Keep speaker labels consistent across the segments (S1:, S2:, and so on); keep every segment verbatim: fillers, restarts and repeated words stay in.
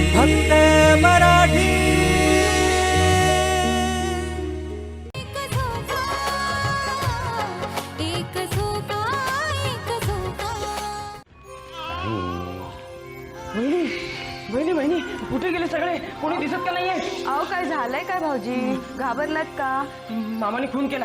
S1: फक्त मराठी.
S2: बहिणी बहिणी बहिणी कुठे गेले सगळे? कोणी दिसत का नाहीये?
S3: अहो काय झालंय काय भाऊजी? घाबरलात का?
S2: मामाने खून केला.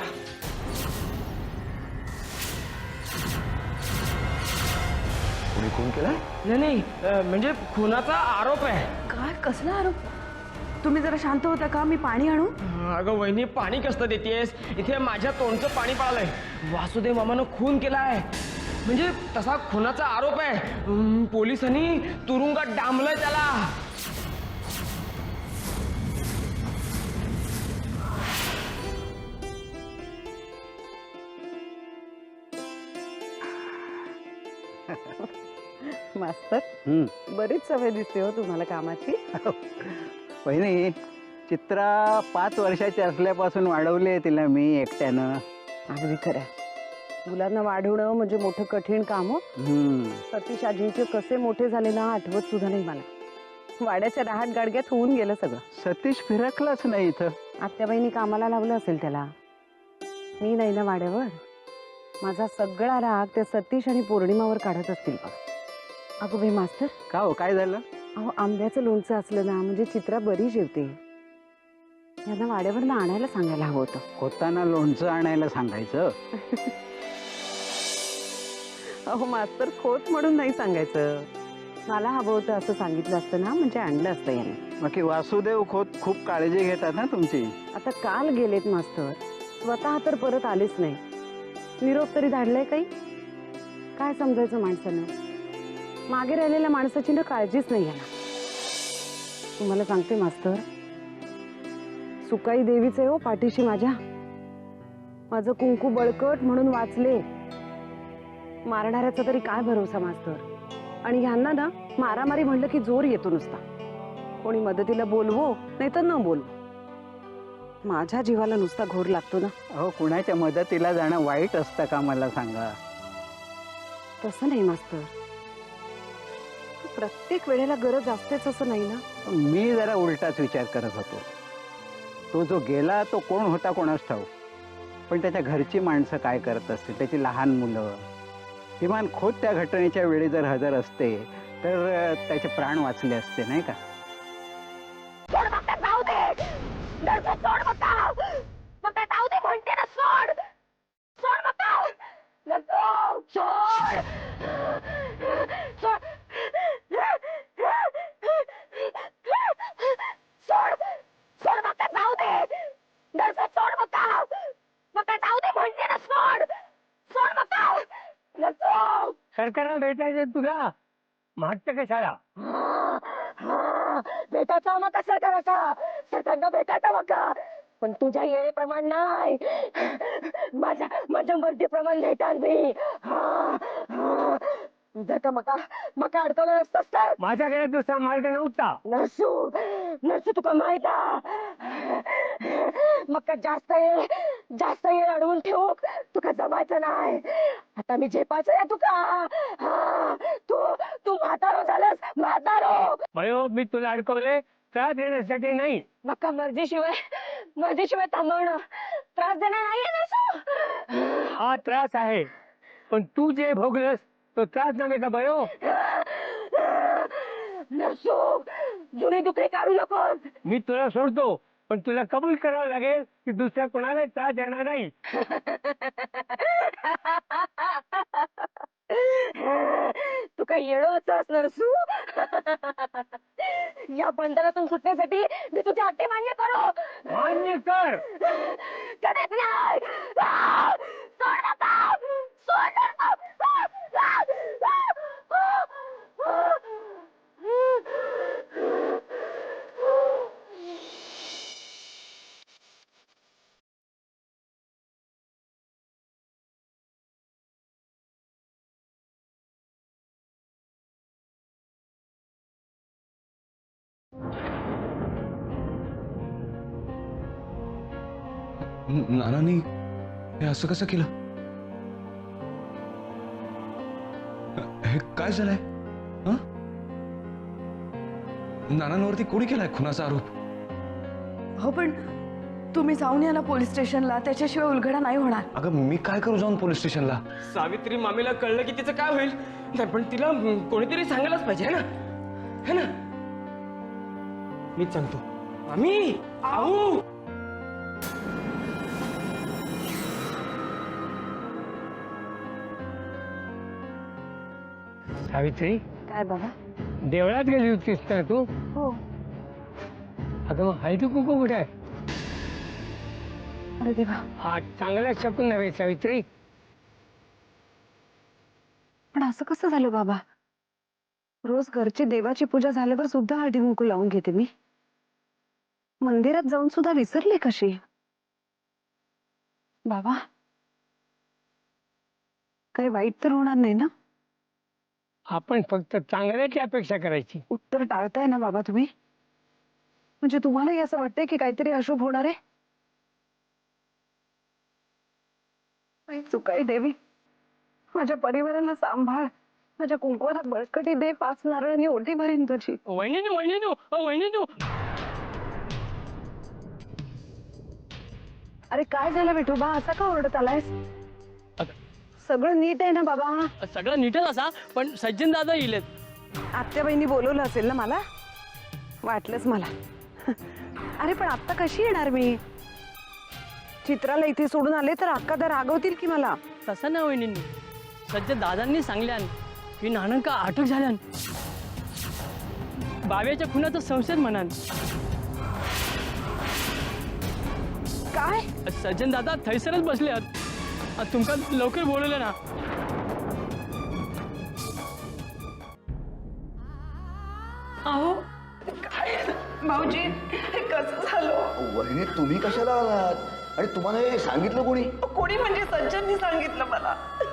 S4: कोणी खून केलाय?
S2: नाही नाही अं, म्हणजे खुनाचा आरोप आहे.
S3: काय कसला आरोप? तुम्ही जरा शांत होता का? मी पाणी आणू?
S2: अगं वहिनी पाणी कसं देतेस? इथे माझ्या तोंडचं पाणी पळालंय. वासुदेव मामानं खून केलाय म्हणजे तसा खुनाचा आरोप आहे. अं, पोलिसांनी तुरुंगात डांबलंय त्याला.
S3: मास्तर
S4: हम्म.
S3: बरीच सवय दिसते हो तुम्हाला कामाची.
S4: वहिनी, चित्रा पाच वर्षाची असल्यापासून वाढवले तिला मी एकट्यानं.
S3: अगदी खरं. मुलांना वाढवणं म्हणजे मोठं कठीण काम हो.
S4: हम्म.
S3: सतीश आजींचे कसे मोठे झाले ना आठवत सुद्धा नाही मला. वाड्याच्या राहाट गाडग्यात होऊन गेलं सगळं.
S4: सतीश फिरकलाच नाही इथं.
S3: आत्याबाईंनी कामाला लावलं असेल त्याला. मी नाही ना वाड्यावर. माझा सगळा राग त्या सतीश आणि पौर्णिमावर काढत असतील बघ. अगो बाई मास्तर,
S4: का हो, काय झालं?
S3: अहो आंब्याचं लोणचं असलं ना म्हणजे चित्रा बरी जेवते. यांना वाड्यावर आणायला सांगायला हवं होतं.
S4: होताना लोणचं आणायला सांगायचं.
S3: अहो मास्तर खोत म्हणून नाही सांगायचं. मला हवं होतं असं सांगितलं असतं ना म्हणजे आणलं असतं याने.
S4: बाकी वासुदेव खोत खूप काळजी घेतात ना तुमची.
S3: आता काल गेलेत मास्तर, स्वतः तर परत आलेच नाही. निरोप तरी धाडलाय काही? काय समजायचं माणसानं? मागे राहिलेल्या माणसाची ना काळजीच नाही याला. तुम्हाला सांगते मास्तर, सुकाई देवीच आहे हो पाठीशी माझ्या. माझं कुंकू बळकट म्हणून वाचले. मारणाऱ्याचा तरी काय भरोसा मास्तर. आणि ह्यांना ना मारामारी म्हणलं की जोर येतो नुसता. कोणी मदतीला बोलवो नाही तर न बोलवो. माझ्या जीवाला नुसता घोर लागतो ना.
S4: अहो, कुणाच्या मदतीला जाणं वाईट असतं का मला सांगा?
S3: तसं नाही मास्तर, प्रत्येक वेळेला गरज असतेच असं नाही ना.
S4: मी जरा उलटाच विचार करत होतो. तो जो गेला तो कोण होता कोणास ठाऊक, पण त्याच्या घरची माणसं काय करत असतील, त्याची लहान मुलं. किमान खोत त्या घटनेच्या वेळी जर हजर असते तर त्याचे प्राण वाचले असते, नाही का?
S2: सरकारला भेटायचं तुला मागच्या कशाला?
S5: भेटायचा मग कसा करायचा? सरकारला भेटायचा बघा, पण तुझ्या येण्याप्रमाणे नाही. माझ्या माझ्या मर्जीप्रमाणे भेटाल मी. जर का मका मका अडकवलं असतंस तर
S2: माझ्याकडे दुसरा मार्ग नव्हता.
S5: नसू नसू तुका माहित मग जास्त येळ जास्त येळ अडवून ठेवू तुका जमायचं नाही. आता मी झेपायचं आहे तुका. हा, तू तू म्हातारो झालास, म्हातारो.
S2: भयो, मी तुला अडकवले त्रास देण्यासाठी नाही.
S5: मका मर्जीशिवाय मर्जीशिवाय थांबवणं त्रास देणार नाहीये नसू.
S2: हा त्रास आहे, पण तू जे भोगलस तो त्रास नव्हे का भयो?
S5: नसू जुनी दुखणी काढू नको.
S2: मी तुला सोडतो, पण तुला कबूल करावं लागेल की दुसऱ्या कोणाला त्रास देणार नाही.
S5: तू काही येणं होतस नसू. या बंधनातून सुटण्यासाठी मी तुझ्या अटी मान्य करू.
S2: मान्य कर.
S5: कधीच नाही. सोड नका. सोड नका.
S1: नानांनी हे असं कसं केलं? हे काय झालंय? हं? नानांवरती कोणी केलाय खुनाचा आरोप?
S6: हो पण तुम्ही जाऊन या ना पोलीस स्टेशनला, त्याच्याशिवाय उलगडा नाही होणार.
S1: अगं मी काय करू जाऊन पोलीस स्टेशनला?
S2: सावित्री मामीला कळलं की तिचं काय होईल? नाही पण तिला कोणीतरी सांगायलाच पाहिजे है ना, है ना? मीच सांगतो. मामी, आऊ.
S7: सावित्री,
S3: काय बाबा?
S7: देवळात गेली होतीस ना तू?
S3: हो.
S7: अगं मग हळदी कुंकू कुठे आहे?
S3: अरे देवा,
S7: हा चांगला शकून नव्हे सावित्री.
S3: पण असं कसं झालं बाबा? रोज घरची देवाची पूजा झाल्यावर सुद्धा हळदी कुंकू लावून घेते मी. मंदिरात जाऊन सुद्धा विसरले कशी? बाबा, काही वाईट तर होणार नाही ना?
S7: आपण फक्त चांगल्याची अपेक्षा करायची.
S3: उत्तर टाळताय ना बाबा तुम्ही? म्हणजे तुम्हालाही असं वाटतंय की काहीतरी अशुभ होणार आहे? काही चुकाई देवी, माझ्या परिवाराला सांभाळ. माझ्या कुंकवाला बळकटी दे, पाच नारळांनी ओटी भरीन तुझी.
S7: वहिनी वहिनी वहिनी
S3: अरे काय झालं विठोबा, असा का ओरडत आलायस? सगळं नीट आहे ना बाबा?
S8: सगळं नीटच असा, पण सज्जन दादा येईल.
S3: आत्या बहिणी बोलवलं असेल ना मला? वाटलंच मला. अरे पण आत्ता कशी येणार मी? चित्राला इथे सोडून आले तर अक्का तर रागवतील की मला.
S8: तसं ना वहिनींनी, सज्जन दादांनी सांगल्यान की नानंका अटक झाल्यान, बाब्याच्या खुनाचा संशय म्हणान.
S3: काय?
S8: सज्जन दादा थैसरच बसले आहेत. तुमका लवकर बोलवलं ना.
S6: अहो काय भाऊजी, हे कसं झालं?
S9: वहिनी तुम्ही कशाला आलात आणि तुम्हाला हे सांगितलं कोणी?
S6: कोणी म्हणजे सज्जननी सांगितलं मला.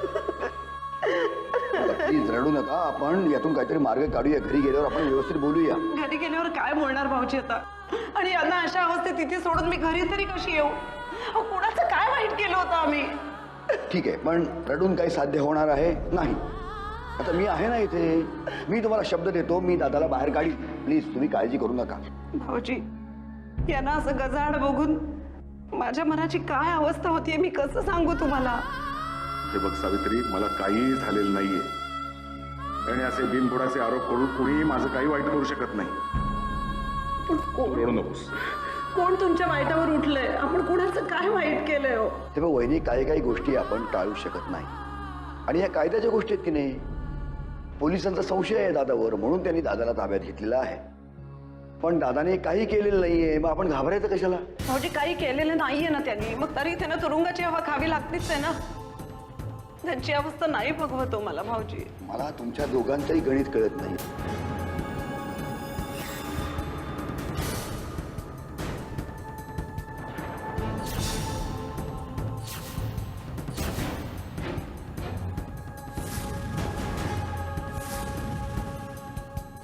S9: प्लीज रडू नका, आपण यातून काहीतरी मार्ग काढूया. घरी गेल्यावर आपण व्यवस्थित बोलूया.
S6: घरी गेल्यावर काय बोलणार भाऊजी आता? आणि यांना अशा अवस्थेत तिथे सोडून मी घरी तरी कशी येऊ? अहो, कुणाचं काय वाईट केलं होतं आम्ही?
S9: ठीक आहे, पण रडून काही साध्य होणार आहे नाही. आता मी आहे ना इथे. मी तुम्हाला शब्द देतो, मी दादाला बाहेर काढीन. प्लीज तुम्ही काळजी करू नका.
S6: भाऊजी, यांना असं गजाआड बघून माझ्या मनाची काय अवस्था होतीये मी कसं सांगू तुम्हाला?
S10: हे बघ सावित्री, मला काहीही झालेलं नाहीये आणि असे बिनबुडाचे आरोप करून कुणीही माझं काही वाईट करू शकत नाही.
S6: पण
S10: तू
S6: कोण
S10: रडू नकोस.
S6: कोण तुमच्या वाईटावर उठलंय? आपण कुणाचं काय वाईट केलंय हो?
S9: ते बघ वहिनी, काही काही गोष्टी आपण टाळू शकत नाही आणि या कायद्याच्या गोष्टी आहेत की नाही. पोलिसांचा संशय आहे दादावर म्हणून त्यांनी दादाला ताब्यात घेतलेला आहे. पण दादाने काही केलेलं नाहीये, मग आपण घाबरायचं कशाला?
S6: भाऊजी, काही केलेलं नाहीये ना त्यांनी, मग तरी त्यांना तुरुंगाची हवा खावी लागतीच आहे ना. त्यांची अवस्था नाही बघवतो मला भाऊजी.
S9: मला तुमच्या दोघांचंही गणित कळत नाही.